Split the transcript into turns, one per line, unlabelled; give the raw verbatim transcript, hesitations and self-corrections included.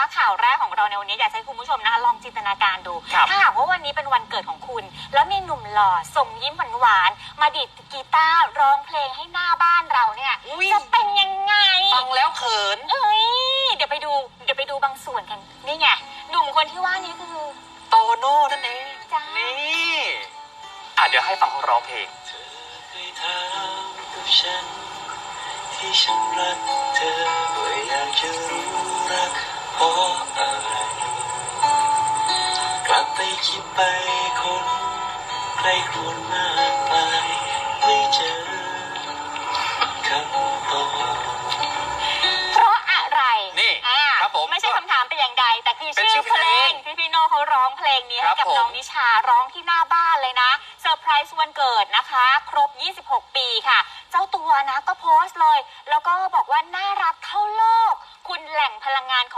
ข่าวแรกของเราในวันนี้อยากให้คุณผู้ชมนะคะลองจินตนาการดูถ้าหากว่าวันนี้เป็นวันเกิดของคุณแล้วมีหนุ่มหล่อส่งยิ้มหวานๆมาดีดกีตาร์ร้องเพลงให้หน้าบ้านเราเนี่ยจะเป็นยังไง
ฟังแล้วเขิน
เอ้ยเดี๋ยวไปดูเดี๋ยวไปดูบางส่วนกันนี่ไงหนุ่มคนที่ว่านี้คือ
โตโน่นั่นเอง
จ้า
นี่อ่ะเดี๋ยวให้ฟังเขาร้องเพลง
เธอเคยถามกับฉันที่ฉันรักเธอว่าอยากจะรู้รักเพราะอะไรกลับไปคิดไปคนใครควรมากมายไม่เจอคำตอบ
เพราะอะไร
นี่ครับผม
ไม่ใช่คำถามแต่อย่างใดแต่คือชื่อเพลงที่พี่โน่เขาร้องเพลงนี้ให้กับน้องนิชาร้องที่หน้าบ้านเลยนะเซอร์ไพรส์วันเกิดนะคะครบยี่สิบหกปีค่ะเจ้าตัวนะก็โพสต์เลยแล้วก็บอกว่าน่ารักเท่าโลกคุณแหล่งพลังงานของ